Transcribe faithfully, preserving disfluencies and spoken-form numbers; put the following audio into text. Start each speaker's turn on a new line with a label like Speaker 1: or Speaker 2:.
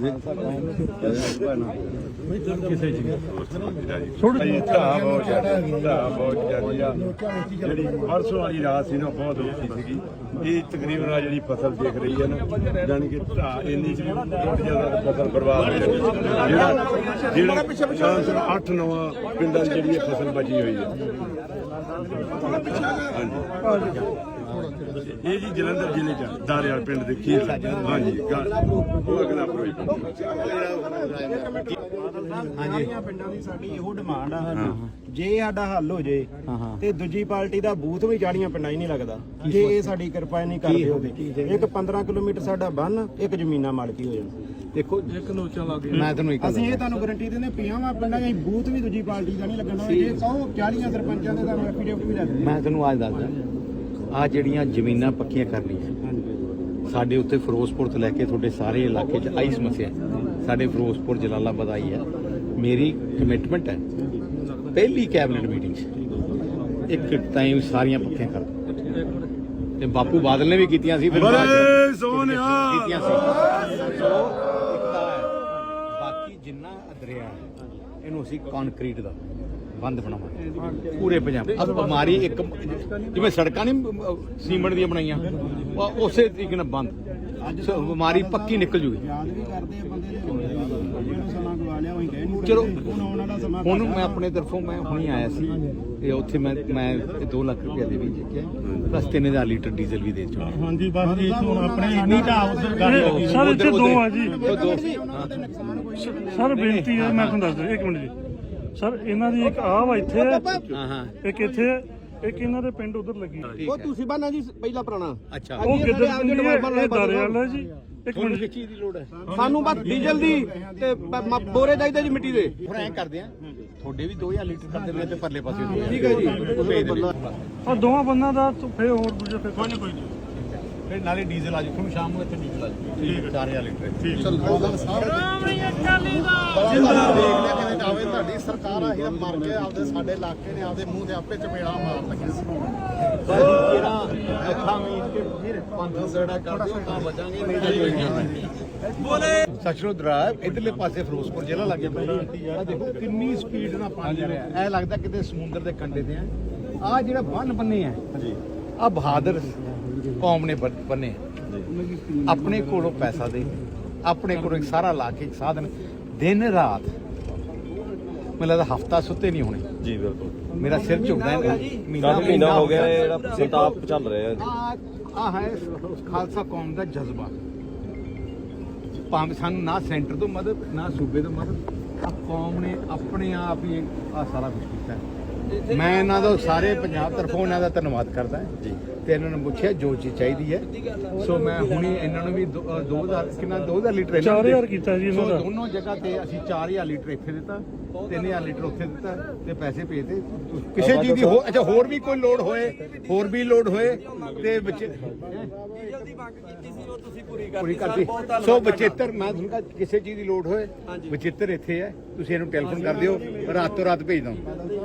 Speaker 1: ਕਿਸੇ ਚੀਜ਼
Speaker 2: ਥੋੜੀ ਬਹੁਤ ਜ਼ਿਆਦਾ ਜਿਹੜੀ ਪਰਸੋਂ ਵਾਲੀ ਰਾਤ ਸੀ ਨਾ ਬਹੁਤ ਔਖੀ ਸੀਗੀ। ਇਹ ਤਕਰੀਬਨ ਆ ਜਿਹੜੀ ਫਸਲ ਦੇਖ ਰਹੀ ਹੈ ਨਾ, ਜਾਣੀ ਕਿ ਢਾਹ ਇੰਨੀ ਸੀ ਬਹੁਤ ਜ਼ਿਆਦਾ ਫਸਲ ਬਰਬਾਦ ਹੋ ਜਾਂਦੀ। ਜਿਹੜਾ ਜਿਹੜਾ ਅੱਠ ਨੌ ਪਿੰਡਾਂ ਦੀ ਜਿਹੜੀ ਇਹ ਫਸਲ ਬਚੀ ਹੋਈ ਹੈ। ਇਹ ਜੀ ਜਲੰਧਰ ਜ਼ਿਲ੍ਹੇ ਚ ਦਾਰੇਵਾਲ ਪਿੰਡ ਦੇ ਖੀਰ। ਹਾਂਜੀ ਉਹ ਅਗਲਾ
Speaker 3: ਹਾਂਜੀ ਪਿੰਡਾਂ ਦੀ ਸਾਡੀ ਇਹੋ ਡਿਮਾਂਡ ਆ। ਜੇ ਸਾਡਾ ਹੱਲ ਹੋ ਜੇ ਤੇ ਦੂਜੀ ਪਾਰਟੀ ਦਾ ਬੂਥ ਵੀ ਚਾੜੀਆਂ ਪਿੰਡਾਂ ਹੀ ਨਹੀਂ ਲੱਗਦਾ ਜੇ ਇਹ ਸਾਡੀ ਕਿਰਪਾ ਨਹੀਂ ਕਰਦੇ ਉਹਦੇ। ਇੱਕ ਪੰਦਰਾਂ ਕਿਲੋਮੀਟਰ ਸਾਡਾ ਬੰਨ, ਇੱਕ ਜ਼ਮੀਨਾਂ ਮਾਲਕੀ ਹੋ ਜਾਣ।
Speaker 1: ਦੇਖੋ ਇੱਕ ਲੋਚਾ ਲੱਗ ਗਿਆ।
Speaker 3: ਮੈਂ ਤੁਹਾਨੂੰ ਅਸੀਂ ਇਹ ਤੁਹਾਨੂੰ ਗਾਰੰਟੀ ਦਿੰਦੇ ਪੰਜਾਂ ਪਿੰਡਾਂ ਦੇ ਬੂਥ ਵੀ ਦੂਜੀ ਪਾਰਟੀ ਦਾ ਨਹੀਂ ਲੱਗਣਾ। ਜੇ ਕਹੋ ਚਾਲੀਆਂ ਸਰਪੰਚਾਂ ਦੇ ਤੁਹਾਨੂੰ ਐਫੀਡੇਵਿਟ ਵੀ ਲੱਗਦੇ।
Speaker 4: ਮੈਂ ਤੁਹਾਨੂੰ ਅੱਜ ਦੱਸਦਾ, ਆ ਜਿਹੜੀਆਂ ਜ਼ਮੀਨਾਂ ਪੱਕੀਆਂ ਕਰਨੀਆਂ ਸਾਡੇ ਉੱਤੇ ਫਿਰੋਜ਼ਪੁਰ ਤੋਂ ਲੈ ਕੇ ਤੁਹਾਡੇ ਸਾਰੇ ਇਲਾਕੇ 'ਚ ਆਈ ਸਮੱਸਿਆ। ਸਾਡੇ ਫਿਰੋਜ਼ਪੁਰ ਜਲਾਲਾਬਾਦ ਆਈ ਹੈ। ਮੇਰੀ ਕਮਿਟਮੈਂਟ ਹੈ ਪਹਿਲੀ ਕੈਬਨਿਟ ਮੀਟਿੰਗ 'ਚ ਇੱਕ ਟਾਈਮ ਸਾਰੀਆਂ ਪੱਕੀਆਂ ਕਰ ਦਿਓ। ਤੇ ਬਾਪੂ ਬਾਦਲ ਨੇ ਵੀ ਕੀਤੀਆਂ ਸੀ, ਫਿਰ ਕੀਤੀਆਂ ਸੀ। ਬਾਕੀ ਜਿੰਨਾ ਦਰਿਆ ਇਹਨੂੰ ਅਸੀਂ ਕੰਕਰੀਟ ਦਾ ਬੰਦ ਬਣਾਵਾਂਗੇ ਪੂਰੇ ਪੰਜਾਬ। ਅਬ ਬਿਮਾਰੀ ਇੱਕ ਜਿਵੇਂ ਸੜਕਾਂ ਨਹੀਂ ਸੀਮੈਂਟ ਦੀਆਂ ਬਣਾਈਆਂ, ਉਸੇ ਤਰੀਕੇ ਨਾਲ ਬੰਦ ਬਿਮਾਰੀ ਪੱਕੀ ਨਿਕਲ ਜੂਗੀ। ਚਲੋ ਹੁਣ ਮੈਂ ਆਪਣੇ ਤਰਫੋਂ ਮੈਂ ਹੁਣੀ ਆਇਆ ਸੀ ਤੇ ਉੱਥੇ ਮੈਂ ਮੈਂ ਦੋ ਲੱਖ ਰੁਪਏ ਦੇ ਵੀ ਜਿੱਕਿਆ, ਪਲੱਸ ਤਿੰਨ ਹਜ਼ਾਰ ਲੀਟਰ ਡੀਜ਼ਲ ਵੀ ਦੇ ਚੁੱਕਾ।
Speaker 1: ਹਾਂਜੀ ਬਸ ਜੀ ਹੁਣ ਆਪਣੇ ਇੰਨੀ ਢਾਹ ਸਰ ਇੱਥੇ ਦੋ ਆ ਜੀ। ਸਰ ਬੇਨਤੀ ਹੈ, ਮੈਂ ਤੁਹਾਨੂੰ ਦੱਸ ਦਿਆਂ ਇੱਕ ਮਿੰਟ ਜੀ। ਸਰ ਇਹਨਾਂ ਦੀ ਇੱਕ ਆਹ ਵਾ ਇੱਥੇ ਹੈ, ਇੱਕ ਇੱਥੇ ਹੈ, ਇੱਕ ਇਹਨਾਂ ਦੇ ਪਿੰਡ ਉਧਰ ਲੱਗੀ।
Speaker 3: ਉਹ ਤੁਸੀਂ ਬਾਨਾ ਜੀ ਪਹਿਲਾ ਪੁਰਾਣਾ।
Speaker 4: ਅੱਛਾ
Speaker 1: ਉਹ ਕਿੱਧਰ ਦਾਰੇਵਾਲ ਹੈ ਜੀ। ਇੱਕ ਮਿੰਟ
Speaker 4: ਕਿਸ ਚੀਜ਼ ਦੀ ਲੋੜ ਹੈ
Speaker 3: ਸਾਨੂੰ? ਬਸ ਡੀਜ਼ਲ ਦੀ ਤੇ ਬੋਰੇ ਚਾਹੀਦੇ ਜੀ ਮਿੱਟੀ ਦੇ।
Speaker 4: ਹੁਣ ਐਂ ਕਰਦੇ ਆ ਤੁਹਾਡੇ ਵੀ ਦੋ ਹਜ਼ਾਰ ਲੀਟਰ ਕਰ ਦਿੰਦੇ ਤੇ ਪਰਲੇ ਪਾਸੇ
Speaker 3: ਠੀਕ ਹੈ ਜੀ।
Speaker 1: ਆ ਦੋਵਾਂ ਬੰਨਾਂ ਦਾ ਫੇਰ ਹੋਰ ਦੂਜੇ ਫੇਰ ਕੋਈ ਨਹੀਂ ਕੋਈ ਨਹੀਂ।
Speaker 4: ਫਿਰ ਨਾਲੇ ਡੀਜ਼ਲ ਆ ਜਾਊ ਤੁਹਾਨੂੰ ਸ਼ਾਮ ਨੂੰ ਇੱਥੇ ਡੀਜ਼ਲ ਆ ਜਾਊ। ਠੀਕ ਹੈ ਚਾਰ ਹਜ਼ਾਰ ਲੀਟਰ। ਠੀਕ
Speaker 3: ਚਲ ਗੋਦਲ ਸਾਹਿਬ ਜਿੰਦਾਬਾਦ। ਦੇਖ ਲਿਆ ਕਿਵੇਂ ਜਾਵੇ ਤੁਹਾਡੀ ਸਰਕਾਰ ਆ। ਇਹ ਮਰ ਕੇ ਆਪਦੇ ਸਾਡੇ ਇਲਾਕੇ ਨੇ ਆਪਦੇ ਮੂੰਹ ਤੇ ਆਪੇ ਚਪੇੜਾ ਮਾਰ ਲੱਗੇ ਸੀ।
Speaker 4: ਜਿਹੜਾ ਅੱਖਾਂ ਮੀਚ ਕੇ ਫਿਰ ਪੰਜ ਸੜਾ ਕਰ ਦਿਓ ਤਾਂ ਬਚਾਂਗੇ, ਨਹੀਂ ਬੋਲੇ ਸਚਰੋਦਰਾ ਇਧਰਲੇ ਪਾਸੇ ਫਿਰੋਜ਼ਪੁਰ ਜ਼ਿਲ੍ਹਾ ਲੱਗੇ ਪਈ ਆ। ਦੇਖੋ ਕਿੰਨੀ ਸਪੀਡ ਨਾਲ ਪਾਣੀ ਆ ਰਿਹਾ। ਐ ਲੱਗਦਾ ਕਿਤੇ ਸਮੁੰਦਰ ਦੇ ਕੰਢੇ ਤੇ ਆ। ਆ ਜਿਹੜਾ ਬੰਨ ਬੰਨੇ ਆ ਆ ਬਹਾਦਰ ਕੌਮ ਨੇ ਬੰਨੇ। ਆਪਣੇ ਕੋਲੋਂ ਪੈਸਾ ਦੇ, ਆਪਣੇ ਕੋਲੋਂ ਇੱਕ ਸਾਰਾ ਲਾ ਕੇ ਇੱਕ ਸਾਧਨ, ਦਿਨ ਰਾਤ ਮੈਨੂੰ ਲੱਗਦਾ ਹਫਤਾ ਸੁੱਤੇ ਨਹੀਂ ਹੋਣੇ
Speaker 5: ਜੀ। ਬਿਲਕੁਲ ਮੇਰਾ
Speaker 4: ਮੇਰਾ ਸਿਰ ਝੁਕਦਾ ਹੈ।
Speaker 5: ਮਹੀਨਾ ਮਹੀਨਾ ਹੋ ਗਿਆ ਜਿਹੜਾ ਸੰਤਾਪ ਚੱਲ ਰਿਹਾ
Speaker 4: ਆ ਆ ਹੈ ਖਾਲਸਾ ਕੌਮ ਦਾ ਜਜ਼ਬਾ। ਭਾਵੇਂ ਸਾਨੂੰ ਨਾ ਸੈਂਟਰ ਤੋਂ ਮਦਦ ਨਾ ਸੂਬੇ ਤੋਂ ਮਦਦ, ਆ ਕੌਮ ਨੇ ਆਪਣੇ ਆਪ ਹੀ ਆ ਸਾਰਾ ਕੁਝ ਕੀਤਾ। ਮੈਂ ਇਹਨਾਂ ਦਾ ਸਾਰੇ ਪੰਜਾਬ ਤਰਫੋਂ ਇਹਨਾਂ ਦਾ ਧੰਨਵਾਦ ਕਰਦਾ ਜੀ। ਤੇ ਇਹਨਾਂ ਨੂੰ ਪੁੱਛਿਆ ਜੋ ਚੀਜ਼ ਚਾਹੀਦੀ ਹੈ, ਸੋ ਮੈਂ ਹੁਣੀ ਇਹਨਾਂ ਨੂੰ ਵੀ ਦੋ ਹਜ਼ਾਰ ਕਿੰਨਾ ਦੋ ਹਜ਼ਾਰ ਲੀਟਰ
Speaker 1: ਚਾਰ ਹਜ਼ਾਰ ਕੀਤਾ ਜੀ ਇਹਨਾਂ ਦਾ।
Speaker 4: ਦੋਨੋਂ ਜਗ੍ਹਾ ਤੇ ਅਸੀਂ ਚਾਰ ਹਜ਼ਾਰ ਲੀਟਰ ਇੱਥੇ ਦਿੱਤਾ, ਤਿੰਨ ਹਜ਼ਾਰ ਲੀਟਰ ਉੱਥੇ ਦਿੱਤਾ ਤੇ ਪੈਸੇ ਭੇਜਦੇ। ਕਿਸੇ ਚੀਜ਼ ਦੀ ਹੋ ਅੱਛਾ ਹੋਰ ਵੀ ਕੋਈ ਲੋੜ ਹੋਏ, ਹੋਰ ਵੀ ਲੋੜ ਹੋਏ ਤੇ ਬੱਚੇ ਪੂਰੀ ਕਰਤੀ। ਸੋ ਬਚੇਤਰ ਮੈਂ ਤੁਹਾਨੂੰ ਕਿਹਾ ਕਿਸੇ ਚੀਜ਼ ਦੀ ਲੋੜ ਹੋਏ ਬਚੇਤਰ ਇੱਥੇ ਹੈ, ਤੁਸੀਂ ਇਹਨੂੰ ਟੈਲੀਫੋਨ ਕਰ ਦਿਓ, ਰਾਤੋਂ ਰਾਤ ਭੇਜ ਦਵਾਂ।